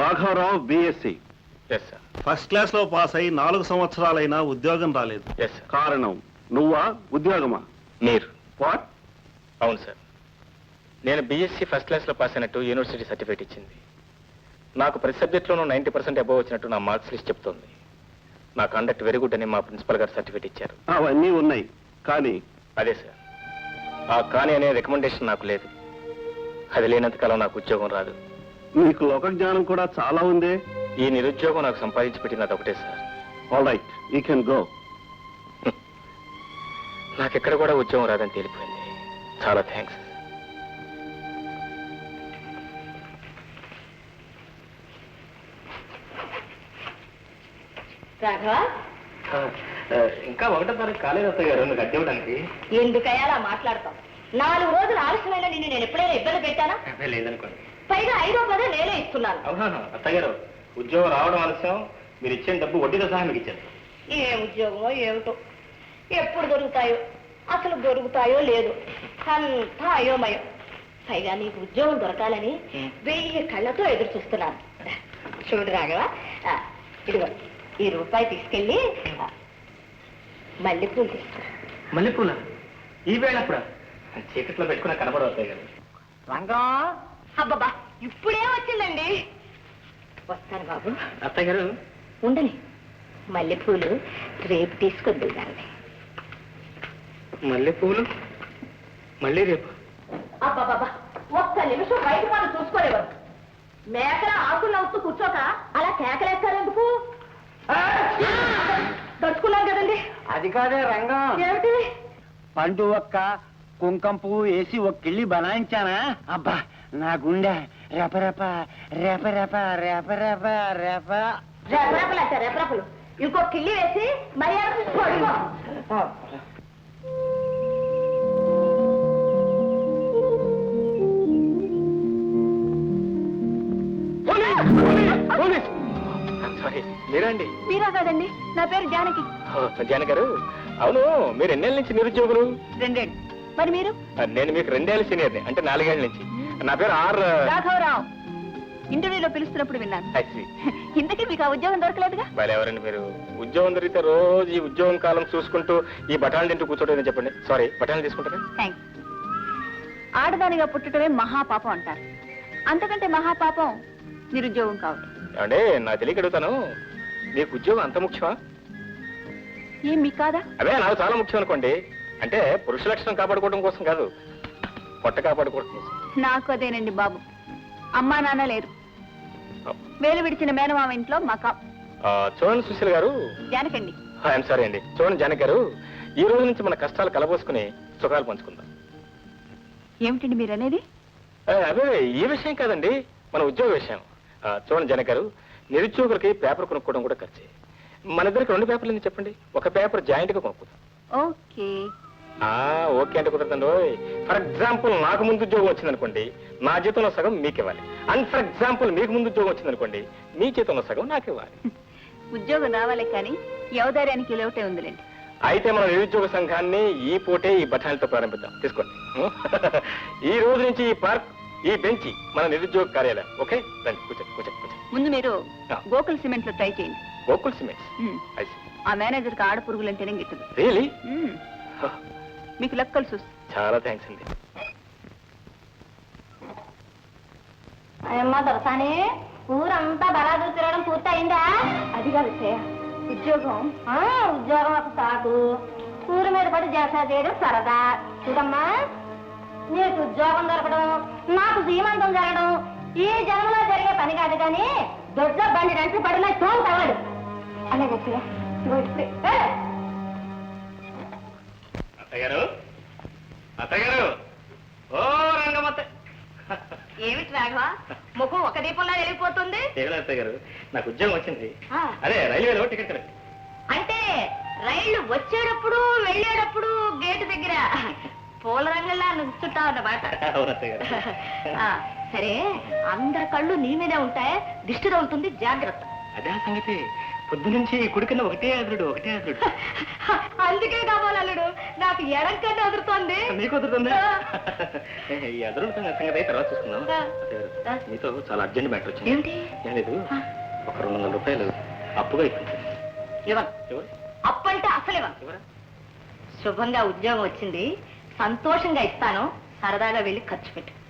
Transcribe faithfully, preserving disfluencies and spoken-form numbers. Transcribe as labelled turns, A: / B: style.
A: రాఘవరావు BSc.
B: Yes sir.
A: First class లో pass అయి నాలుగు సంవత్సరాలైనా ఉద్యోగం రాలేదు.
B: Yes sir.
A: కారణం నువ్వా ఉద్యోగమా?
B: మీరు.
A: వాట్?
B: అవును సార్, నేను బిఎస్సి ఫస్ట్ క్లాస్ లో పాస్ అయినట్టు యూనివర్సిటీ సర్టిఫికేట్ ఇచ్చింది. నాకు ప్రతి సబ్జెక్ట్లోనూ నైంటీ పర్సెంట్ అబోవ్ వచ్చినట్టు నా మార్క్స్ లిస్ట్ చెప్తోంది. నా కండక్ట్ వెరీ గుడ్ అని మా ప్రిన్సిపల్ గారు సర్టిఫికేట్ ఇచ్చారు.
A: అవన్నీ ఉన్నాయి కానీ
B: అదే సార్, ఆ కానీ అనే రికమెండేషన్ నాకు లేదు. అది లేనంతకాలం నాకు ఉద్యోగం రాదు.
A: నీకు లోక జ్ఞానం కూడా చాలా ఉంది.
B: ఈ నిరుద్యోగం నాకు సంపాదించి పెట్టినది ఒకటే sir.
A: All right, you can go.
B: నాకెక్కడ కూడా ఉద్యోగం రాదని తేలిపోయింది. చాలా థ్యాంక్స్.
C: రాఘవ,
B: ఇంకా ఒకటో తారీఖు కాలేదు అత్తయ్య గారు నువ్వు కట్టి ఇవ్వడానికి.
C: ఎందుకయ్యా అలా మాట్లాడతాం? నాలుగు రోజులు ఆలస్యమైన నిన్ను నేను ఎప్పుడైనా ఇబ్బంది పెట్టానా?
B: లేదనుకోండి.
C: పైగా ఐదో పదే నేనే ఇస్తున్నాను.
B: అవునా అత్తయ్య గారు, ఉద్యోగం రావడం ఆలస్యం, మీరు ఇచ్చిన డబ్బు వడ్డీతో సహా మీకు ఇచ్చారు.
C: ఏ ఉద్యోగమో ఏమిటో, ఎప్పుడు దొరుకుతాయో, అసలు దొరుకుతాయో లేదు, అంతా అయోమయం. పైగా నీకు ఉద్యోగం దొరకాలని వెయ్యి కళ్ళతో ఎదురు చూస్తున్నాను. చూడు రాఘవ, ఇదిగో ఈ రూపాయి తీసుకెళ్ళి మల్లెపూలు తీసుకురా.
B: మల్లెపూల ఈ వేళ అప్పుడు చీకట్లో పెట్టుకున్నా కనబడవు అత్తయ్య గారు.
C: రంగం, అబ్బబ్బా ఇప్పుడే వచ్చిందండి. వస్తాను బాబు.
B: అత్తయ్య గారు
C: ఉండని, మల్లెపూలు రేపు తీసుకొద్దు దాన్ని.
B: మల్లెపూలు మళ్ళీ రేపు?
C: అబ్బాబాబా, ఒక్క నిమిషం బయట వాళ్ళు చూసుకోలేవారు. మేకల ఆకులు నవ్వుతూ కూర్చోక అలా కేకలేస్తారు ఎందుకు? దడుచుకున్నాం కదండి.
D: అది కాదే రంగం,
C: ఏమిటి?
D: పండు ఒక్క కుంకం పువ్వు వేసి ఒక కిళ్ళి బనాయించానా, అబ్బా నా గుండె రెపరెప రెపరెప రెపరెప రెప.
C: రెపరెపలు అంటే రెపరెపలు. ఇంకో కిళ్ళి వేసి మర్యాద పడుకో.
B: సారీ, మీరండి?
C: మీరా కాదండి, నా పేరు జానకి.
B: జానకి గారు, అవును మీరు ఎన్నేళ్ళ నుంచి నిరుద్యోగులు?
C: రెండేళ్ళు. మరి మీరు?
B: నేను మీకు రెండేళ్ళ సీనియర్ని, అంటే నాలుగేళ్ల నుంచి. నా పేరు ఆర్
C: రాఘవరావు. ఇంటర్వ్యూలో పిలుస్తున్నప్పుడు విన్నాను. ఇంతకీ మీకు ఆ ఉద్యోగం దొరకలేదుగా?
B: వాళ్ళు ఎవరండి మీరు? ఉద్యోగం దొరికితే రోజు ఈ ఉద్యోగం కాలం చూసుకుంటూ ఈ బఠాలు తింటూ కూర్చోటం చెప్పండి. సారీ, బఠాలు తీసుకుంటారా?
C: థ్యాంక్స్. ఆడదానిగా పుట్టడమే మహాపాపం అంటారు. అంతకంటే మహాపాపం నిరుద్యోగం కావడం.
B: అంటే నా తెలియక అడుగుతాను, మీకు ఉద్యోగం అంత ముఖ్యమా?
C: ఏం మీకు కాదా?
B: అదే నాకు చాలా ముఖ్యం అనుకోండి. అంటే పురుష లక్షణం కాపాడుకోవడం కోసం కాదు, పొట్ట కాపాడుకోవడం కోసం.
C: నాకు అదేనండి బాబు. అమ్మా నాన్న లేరు, వేలు విడిచిన మేనమామ ఇంట్లో మకా.
B: చూడండి సుశీల గారు.
C: జానకండి.
B: ఐఎమ్ సారీ అండి. చూడండి జానకి గారు, ఈ రోజు నుంచి మన కష్టాలు కలబోసుకుని సుఖాలు పంచుకుందాం.
C: ఏమిటండి మీరు అనేది?
B: అదే ఈ విషయం కాదండి, మన ఉద్యోగ విషయం. చూడండి జనక్ గారు, నిరుద్యోగులకి పేపర్ కొనుక్కోవడం కూడా ఖర్చే. మన ఇద్దరికి రెండు పేపర్లు ఎందుకు చెప్పండి, ఒక పేపర్ జాయింట్ గా కొనుక్కుందాం.
C: ఓకే.
B: ఓకే అంటే కుదరదండి. ఫర్ ఎగ్జాంపుల్ నాకు ముందు ఉద్యోగం వచ్చిందనుకోండి, నా జీతంలో సగం మీకు ఇవ్వాలి. అండ్ ఫర్ ఎగ్జాంపుల్ మీకు ముందు ఉద్యోగం వచ్చిందనుకోండి, మీ జీతంలో సగం నాకు ఇవ్వాలి.
C: ఉద్యోగం రావాలి కానీ యవదార్యానికి లోటే ఉందిలేండి.
B: అయితే మన నిరుద్యోగ సంఘాన్ని ఈ పూటే ఈ బఠానీతో ప్రారంభిద్దాం. తీసుకోండి. ఈ రోజు నుంచి ఈ పార్క్, ఈ బెంచ్ మన నిరుద్యోగ కార్యాలయం. ఓకే, రండి కూర్చోండి కూర్చోండి కూర్చోండి.
C: ముందు మీరు గోకుల్ సిమెంట్ లో ట్రై చేయండి.
B: గోకుల్ సిమెంట్?
C: ఆ మేనేజర్ కి ఆడ పురుగులు అంటేనే గిట్టదు.
B: రియలీ?
C: మీకు లెక్కలు చూసి.
B: చాలా థ్యాంక్స్ అండి.
C: అమ్మా దొరసాని, ఊరంతా బలాదు తిరగడం పూర్తయిందా? అది కాదు ఉద్యోగం. ఉద్యోగం ఒక సాగు, ఊరి మీద పడి జలసా చేయడం సరదా. చూడమ్మా, నీకు ఉద్యోగం దొరకడం, నాకు సీమంతం జరగడం ఈ జన్మలో జరిగే పని కాదు కానీ దొడ్డ బండి రంటి పడిన తోలు తగలడు. అలాగే
B: అత్తగారు, అత్తగారు, ఓ రంగమత్త.
C: ఏమిటి రాఘవ, ముఖం ఒక దీపంలో వెళ్ళిపోతుంది?
B: అత్తగారు, నాకు ఉద్యోగం వచ్చింది. అదే రైల్వేలో టికెట్ కరెక్ట్.
C: అంటే రైళ్లు వచ్చేటప్పుడు వెళ్ళేటప్పుడు గేటు దగ్గర పూల రంగులా నుంచుంటావు అన్నమాట. సరే, అందరి కళ్ళు నీ మీదే ఉంటాయి, దిష్టి తగులుతుంది, జాగ్రత్త.
B: అదే సంగతి. పొద్దు నుంచి కుడి కింద ఒకటే అదురుడు ఒకటే అదురుడు.
C: అందుకే కావాలి అల్లుడు, నాకు ఎడం కన్నా వదురుతోంది.
B: నీకు వదురుతుందా? ఈ అదురుడు సంగతి అయితే తర్వాత చూసుకుందాం.
C: ఆ.
B: నీతో చాలా అర్జెంట్ మ్యాటర్ వచ్చింది.
C: ఏమిటి?
B: లేదు, ఒక రెండు వందల రూపాయలు అప్పుగా ఇప్పించు.
C: ఇవ్వను.
B: ఎవరు?
C: అప్పు అంటే అసలు ఇవ్వను.
B: ఎవరా?
C: శుభంగా ఉద్యోగం వచ్చింది, సంతోషంగా ఇస్తాను, సరదాగా వెళ్ళి ఖర్చు పెట్టు.